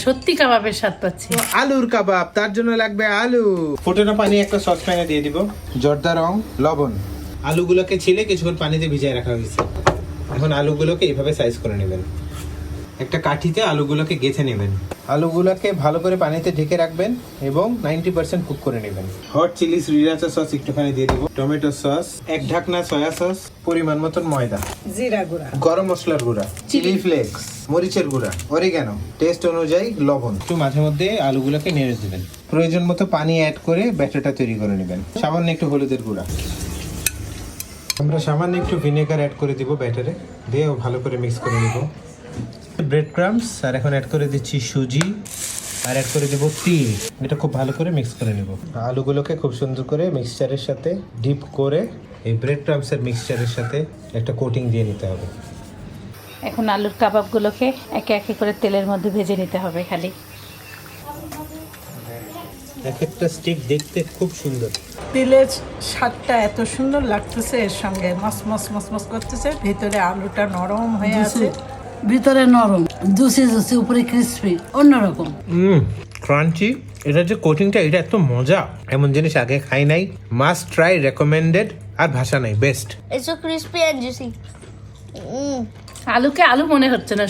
সত্যি কাবাবের স্বাদ পাচ্ছি। আলুর কাবাব, তার জন্য লাগবে আলু। ফোটানো পানি একটা সসপ্যানে দিয়ে দিব, জর্দা রং, লবণ। আলুগুলোকে ছিলে কিছুক্ষণ পানিতে ভিজিয়ে রাখা হয়েছে। এখন আলুগুলোকে এইভাবে সাইজ করে নেবেন। একটা কাঠিতে আলুগুলোকে গেঁথে নেবেন। আলুগুলোকে ভালো করে পানিতে ঢেকে রাখবেন এবং 90% কুক করে নেবেন। হট চিলি শ্রীরাচা সস একটুখানি দিয়ে দিব, টমেটো সস, এক ঢাকনা সয়া সস, পরিমাণ মতন ময়দা, জিরা গুঁড়া, গরম মশলার গুঁড়া, চিলি ফ্লেক্স, মরিচের গুঁড়া, অরিগানো, টেস্ট অনুযায়ী লবণ। একটু মাঝে মধ্যে আলুগুলোকে নেড়ে দিবেন। প্রয়োজন মতো পানি অ্যাড করে ব্যাটারটা তৈরি করে নেবেন। সামান্য একটু হলুদের গুঁড়া, আমরা সামান্য একটু ভিনেগার অ্যাড করে দিব ব্যাটারে, দিয়ে ভালো করে মিক্স করে নিব। ব্রেড ক্রাম্বস, আর এখন অ্যাড করে দিচ্ছি সুজি, আর অ্যাড করে দেবো তিল। এটা খুব ভালো করে মিক্স করে নিব। আলুগুলোকে খুব সুন্দর করে মিক্সচারের সাথে ডিপ করে এই ব্রেড ক্রাম্বসের মিক্সচারের সাথে একটা কোটিং দিয়ে নিতে হবে। এখন আলুর কাবাবগুলোকে একে একে করে তেলের মধ্যে ভেজে নিতে হবে খালি। এক একটা স্টিক দেখতে খুব সুন্দর। তেলের স্বাদটা এত সুন্দর লাগতেছে, এর সঙ্গে মস মস মস মস করতেছে, ভিতরে আলুটা নরম হয়ে আছে, ভিতরে নরম, জুসি জুসি, উপরে ক্রিসপি, অন্যরকম। ক্রাঞ্চি। এটা যে কোটিংটা, এটা এত মজা, এমন জিনিস আগে খাই নাই। মাস্ট ট্রাই, রেকমেন্ডেড, আর ভাষা নাই, best. It's so crispy and juicy. আলুকে আলু মনে হচ্ছে না,